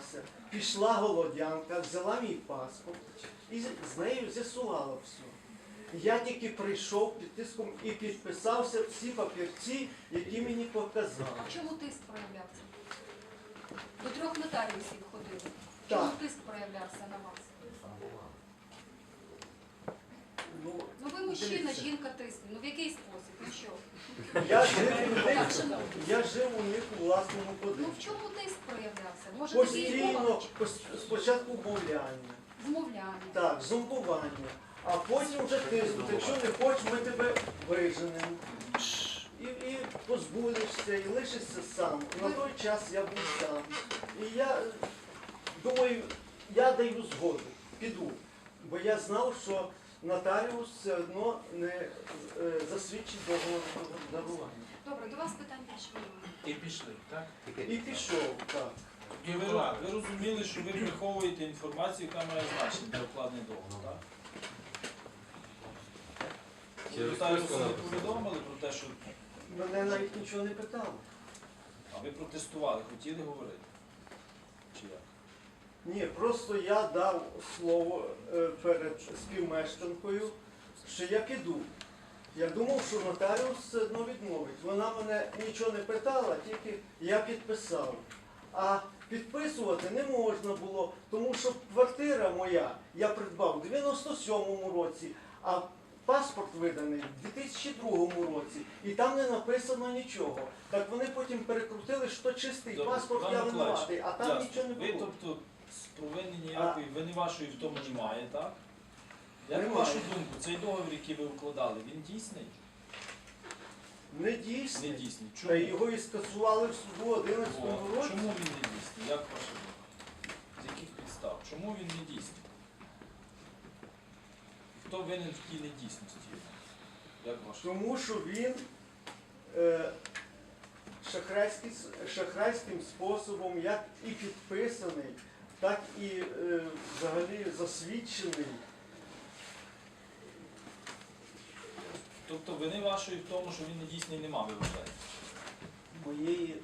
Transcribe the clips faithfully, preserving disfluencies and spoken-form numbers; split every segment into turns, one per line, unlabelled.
піднялася, пішла голодянка, взяла мій паспорт і з нею з'ясувала все. Я тільки прийшов під тиском і підписався всі папірці, які мені показали.
А чому тиск проявлявся? До трьох нотаріусів ходили.
Так.
Чому тиск проявлявся на вас?
Ну,
Ну ви мужчина,
дивіться.
жінка тисне. Ну в який спосіб? І що?
Я жив, у них,
Так, шановні.
я жив у них у власному
Ну
будинку.
в чому тиск проявлявся? Може такі
Постійно, пос- спочатку мовляння,
змовляння?
так, зомбування, а потім вже тиснуть. Якщо не хочеш, ми тебе виженемо. І, і позбудешся, і лишишся сам. На той час я був сам. І я думаю, я даю згоду, піду. Бо я знав, що нотаріус все одно не е, засвідчить договор дарування.
Добре, до вас питань більше немає.
І пішли, так?
І пішов, так.
І ви, ви розуміли, що ви приховуєте інформацію, яка має значення для укладення договору, так? Ви нотаріусу не повідомили про те, що...
Мене навіть нічого не питали.
А ви протестували, хотіли говорити? Чи як?
Ні, просто я дав слово е, перед співмешканкою, що я піду. Я думав, що нотаріус все одно відмовить. Вона мене нічого не питала, тільки я підписав. А підписувати не можна було, тому що квартира моя я придбав у дев'яносто сьомому році, а паспорт виданий в дві тисячі другому році, і там не написано нічого. Так вони потім перекрутили, що чистий
Добре,
паспорт,
Іван
я
Миколаївич,
винуватий, а там
ясно.
нічого не
Ви,
було.
тобто, з провини ніякої, вини вашої в тому немає, так? Як на
Немає.
вашу думку, цей договір, який ви укладали, він дійсний?
Не дійсний.
Не дійсний.
Та
Чому?
його і скасували в суду в одинадцятому
О,
році.
чому він не дійсний? Як ваша думка? З яких підстав? Чому він не дійсний? Хто винен в тій недійсності? Як ваша думка?
Тому що він е, шахрайський, шахрайським способом, як і підписаний, так і е, взагалі засвідчений.
Тобто вини вашої в тому, що він не дійсний, нема, ви вважаєте?
Моєї.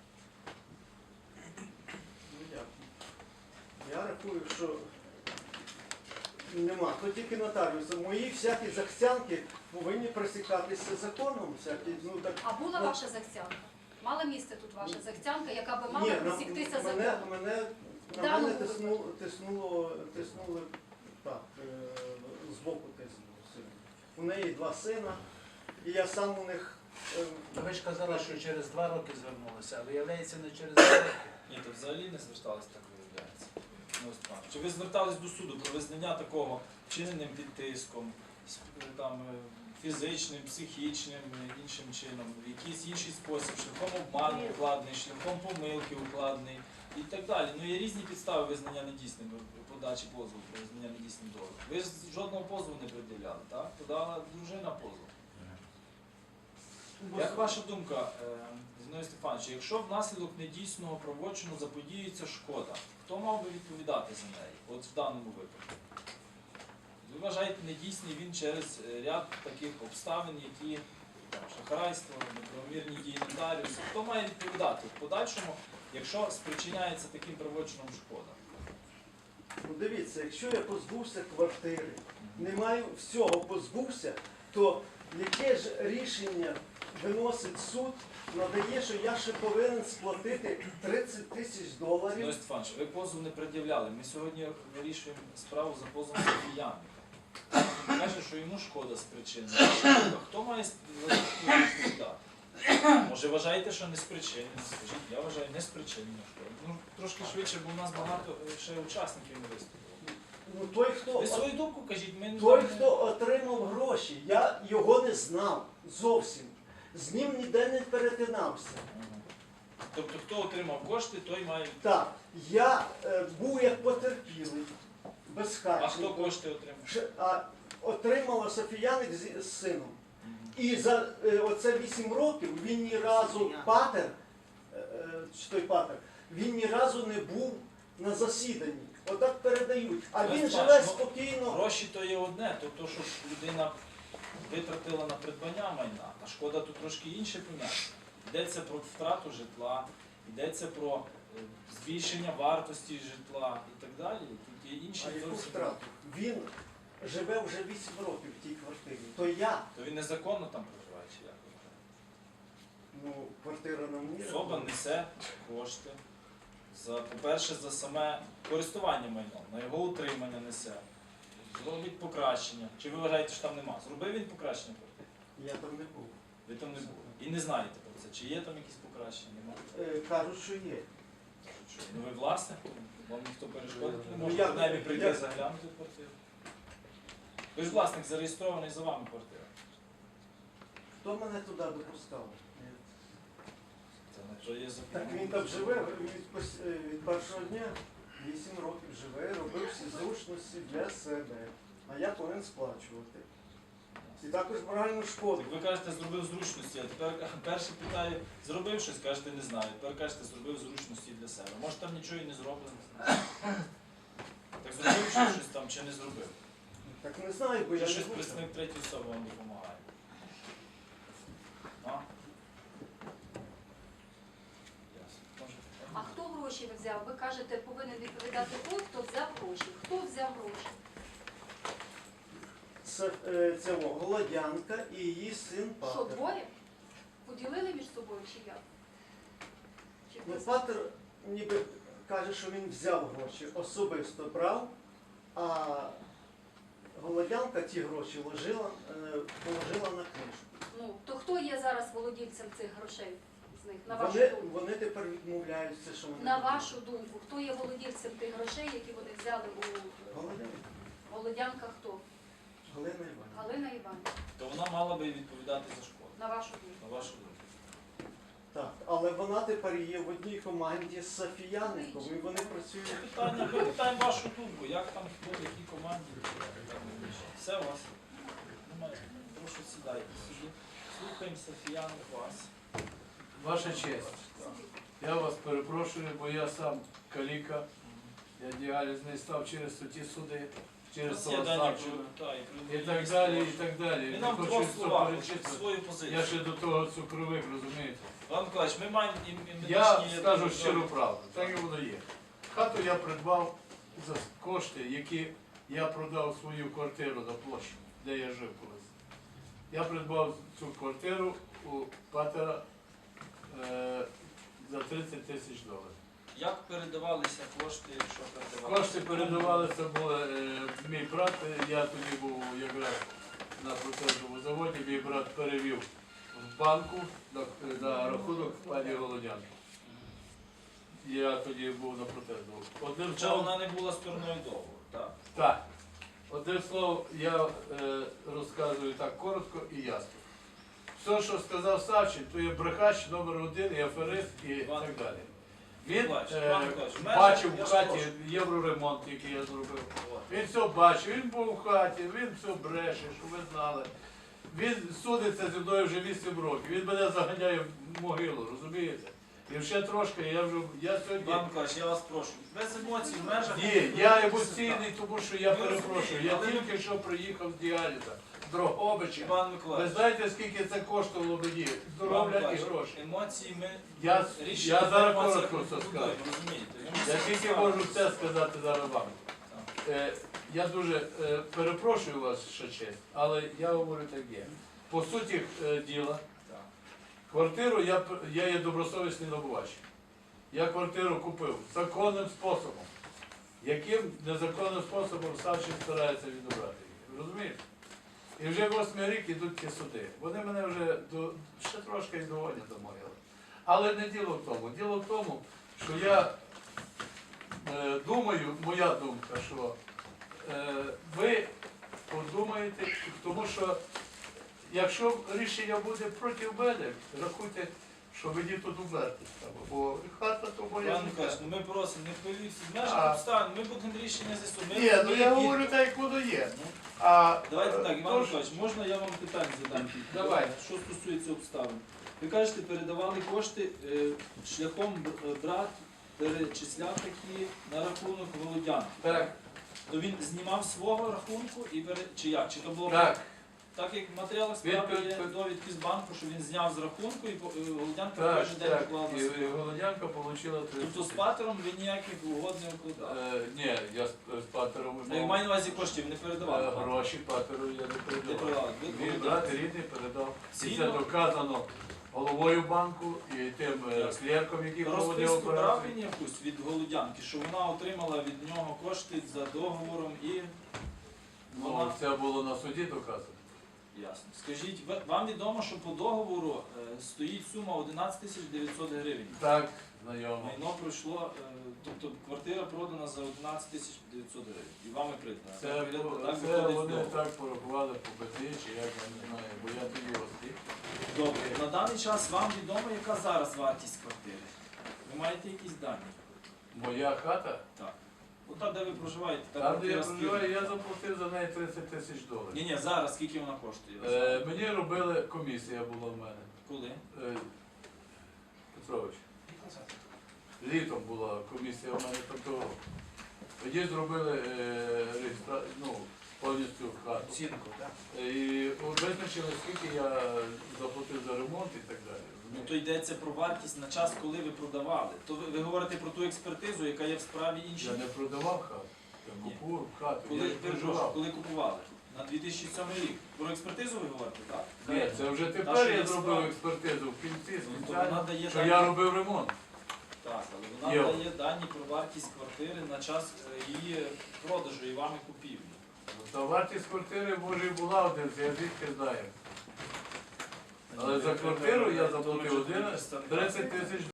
Ну, як? Я рахую, що нема. То тільки нотаріуса. Мої всякі захцянки повинні присікатися законом. Всякі, ну, так,
А була
ну,
ваша захцянка? Мала місце тут ваша захцянка, яка би мала
Ні, на-
присіктися
мене,
законом?
мене, на
Даному
мене
випадку.
тиснуло, тиснуло, тиснули так, е, збоку тиснуло сильно. У неї два сина, і я сам у них. е,
Ви ж казали, що через два роки звернулися, а виявляється не через два роки.
Ні, то взагалі не зверталися, так виявляється. Ну, ось так. Чи ви звертались до суду про визнання такого вчиненим під тиском, с- там, е, фізичним, психічним, е, іншим чином, в якийсь інший спосіб, шляхом обману укладений, шляхом помилки укладений і так далі. Ну, є різні підстави визнання недійсним, е, подачі позову про визнання недійсним договору. Ви ж жодного позову не пред'являли, так? Подала дружина позов. Як ваша думка, е, Зіновій Степанович, якщо внаслідок недійсного правочину заподіюється шкода, хто мав би відповідати за неї, от в даному випадку? Ви вважаєте, недійсний він через е, ряд таких обставин, які там, шахрайство, неправомірні дії нотаріуса. Хто має відповідати в подальшому, якщо спричиняється таким правочином шкода?
Ну, дивіться, якщо я позбувся квартири, не маю всього позбувся, то яке ж рішення виносить суд, надає, що я ще повинен сплатити тридцять тисяч доларів.
Зіновій Степанович, ви позов не пред'являли. Ми сьогодні вирішуємо справу за позовом Софіяни. Він каже, що йому шкода спричинена. Хто має відповідати? Може, вважаєте, що не спричинена? Скажіть, я вважаю, не спричинена шкода. Ну, трошки швидше, бо у нас багато е, ще учасників не виступило.
Ну, той, хто,
Ви свою думку кажіть, ми не
той,
знаємо.
хто отримав гроші, я його не знав зовсім. З ним ніде не перетинався.
Мгм. Тобто, хто отримав кошти, той має.
Так, я е, був як потерпілий, безхатченко.
А хто кошти отримав?
Ш- А отримала Софіяник з, з сином.
Мгм.
І за е, оце вісім років він ні разу патер, е, е, чи той патер, він ні разу не був на засіданні. Отак передають. А
Ну,
він
бачиш,
живе
ну,
спокійно.
Гроші то є одне, то, то що людина витратила на придбання майна, а шкода тут трошки інше поняття. Йдеться про втрату житла, йдеться про е, збільшення вартості житла і так далі. Тут є інші
А яку
зовсім.
втрату? Він живе вже вісім років в тій квартирі. То я,
То він незаконно там проживає, чи як?
ну, квартира на мені.
Особа несе кошти за, по-перше, за саме користування майном, на його утримання несе. Зробить покращення. Чи ви вважаєте, що там нема? Зробив він покращення квартири?
Я там не був.
Ви там не були. І не знаєте про це. Чи є там якісь покращення? Нема?
Е, кажуть, що є.
Що, ну ви власник? Вам ніхто перешкодити не
Ну,
може
я-
принаймні прийти
я-
заглянути в квартиру. Ви ж власник зареєстрований за вами квартира.
Хто мене туди допускав?
Це не то є
Так
закон.
він там живе від, пос- е, від першого дня. Вісім років живе, робив всі зручності для себе. А я повинен сплачувати. І також моральну шкоду.
Так ви кажете, зробив зручності, а тепер перше питаю, зробив щось, кажете, не знаю. Тепер кажете, зробив зручності для себе. Може там нічого і не зроблено. Так зробив ще щось там чи не зробив?
Так не знаю, бо
Чи
я не
щось
був.
представник третьої особи вам допомагає? А? Ясно. Може,
А хто гроші взяв? Ви кажете, повинен відповідати той, хто взяв гроші. Хто взяв гроші?
Це, е, це о, Голодянка і її син
Що,
Патер.
двоє? Поділили між собою чи як? Чи
Ну,
хтось?
Патер ніби каже, що він взяв гроші, особисто брав, а Голодянка ті гроші ложила, е, положила на книжку.
Ну, то хто є зараз володільцем цих грошей з них? На вашу
Вони,
думку?
вони тепер відмовляються, що вони.
На
будуть.
вашу думку, хто є володільцем тих грошей, які вони взяли у
Голодянка.
Володянка хто?
Галина Іванівна.
Галина Іванівна.
то вона мала би відповідати за шкоду.
На вашу думку.
На вашу думку.
Так, але вона тепер є в одній команді з Софіяником, і вони працюють.
Питання, ми питаємо вашу думку, як там хто, в якій команді. Все у вас. Немає. Прошу сідайте собі. Слухаємо Софіяник вас.
Ваша честь, я вас перепрошую, бо я сам каліка, я діалізний став через ті суди, через
Є дані
Солосарчу
про- та, і про
і так далі, і так далі.
І
Не
нам в
хочу
двох
все
словах
перечислити.
свою позицію.
Я ще до того цукровик, розумієте.
Іван Миколаївич, ми маємо і, і
Я
медичні-
скажу щиру правду, так і воно є. Хату я придбав за кошти, які я продав свою квартиру на площі, де я жив колись. Я придбав цю квартиру у Патера е, за тридцять тисяч доларів.
Як передавалися кошти, якщо передавалися?
Кошти передавалися, були е, мій брат, е, я тоді був якраз на протезовому заводі, мій брат перевів в банку на, на рахунок пані Голодянки. Я тоді був на протезовому. Одним
Хоча
словом,
вона не була стороною договору. Так.
так. Одним словом, я е, розказую так коротко і ясно. Все, що сказав Савчин, то є брехач номер один, і аферист і
Іван-
так далі. Він
Миколаївич,
е,
Іван Миколаївич, в межах-
бачив
я
в
ж
хаті
прошу.
євроремонт, який я зробив.
От.
Він все бачив, він був в хаті, він все бреше, що ви знали. Він судиться зі мною вже вісім років. Він мене заганяє в могилу, розумієте? І ще трошки, я вже я сьогодні.
Іван Миколаївич, я вас прошу. Без емоцій, в межах.
Ні, я емоційний, тому що я
Ви
перепрошую. Я
розумієте, але-
тільки що приїхав з діаліза, з Дрогобича.
Іван
Ви
Миколаївич,
знаєте, скільки це коштувало мені?
Іван
Здоров'я і
Миколаївич,
гроші.
емоції ми
Я,
рішення
я зараз
по емоціях
коротко
не
все
будуємо,
скажу.
розумієте?
Я тільки можу це сказати зараз вам. Е, я дуже е, перепрошую вас, ще честь, але я говорю так є. По суті е, діла,
Так.
квартиру я, п- я є добросовісний набувач. Я квартиру купив законним способом. Яким незаконним способом Савчин старається відібрати її. Розумієте? І вже восьмий рік ідуть ті суди. Вони мене вже до, ще трошки і доводять до могили. Але не діло в тому. Діло в тому, що я е, думаю, моя думка, що е, ви подумаєте, тому що якщо рішення буде проти мене, рахуйте, що мені тут умерти треба, бо хата то моя.
Іван
життя.
Миколаївич, ну ми просимо, не хвилюйтесь, в
А.
межах обставин, ми будемо рішення з'ясувати.
Ні, ну я
Ми-
говорю так, як воно є.
Ну,
А,
Давайте
е,
так, Іван
тож-
Миколаївич, можна я вам питання задам?
Давай.
Що стосується обставин. Ви кажете, передавали кошти е, шляхом бр- е, брат перечисляв такі на рахунок Володянки.
Так,
То він знімав свого рахунку і пере... чи як? Чи то було
так.
Так як в матеріалах справи
Від-
є
від-
довідки з банку, що він зняв з рахунку і по- і Голодянка в
Так,
той же день
так.
вклав на
І, і
свій.
Голодянка отримала
Тобто з патером ви ніяких угод не укладали.
Е, ні, я з, з патером
Ну, я маю на увазі коштів не передавали.
е,
патеру.
гроші патеру я не
Не
передавав.
передавали. Ви
Мій
Голодянці.
брат рідний передав. І це
Згідно-
доказано головою банку і тим е,
Ясно.
клерком, який проводив
Розписку брав
операцію.
він якусь від Голодянки, що вона отримала від нього кошти за договором і
Ну,
вона...
це було на суді доказано.
Ясно. Скажіть, ви- вам відомо, що по договору е, стоїть сума одинадцять тисяч дев'ятсот гривень.
Так, знайомо.
Майно пройшло, е, тобто квартира продана за одинадцять тисяч дев'ятсот гривень. І вами придбана.
Це,
Так,
бу-
так
це
виходить з
вони
договору.
так порахували по БТІ, чи як я не знаю, бо я тоді острів.
Добре. На даний час вам відомо, яка зараз вартість квартири? Ви маєте якісь дані?
Моя хата,
Так. От де ви проживаєте, та
там, де я
квартира скільки?
проживаю, я заплатив за неї тридцять тисяч доларів.
Ні, ні, зараз скільки вона коштує? Ви
Е,
знаєте?
мені робили, комісія була в мене.
Коли?
Е, Петрович, літом була комісія в мене тобто тоді зробили е, реєстра... ну, повністю хату.
Оцінку, так?
Е, І визначили, скільки я заплатив за ремонт і так далі.
Ну
розумієте?
то йдеться про вартість на час, коли ви продавали. То ви, ви говорите про ту експертизу, яка є в справі іншій.
Я не продавав хату, я
Ні.
купував хату,
Коли,
я не
перепрошую,
проживав.
коли купували? На дві тисячі сьомий рік. Про експертизу ви говорите, так?
Ні, це вже
Та,
тепер
що
я
є
зробив
справа.
експертизу в кінці,
Ну, то
спеціально,
вона дає
що
дані,
я робив ремонт.
так, але вона
Є.
дає дані про вартість квартири на час е, її продажу і вами купівлі.
Та вартість квартири може і була один, я звідки знаю. Але за квартиру я заплатив один тридцять тисяч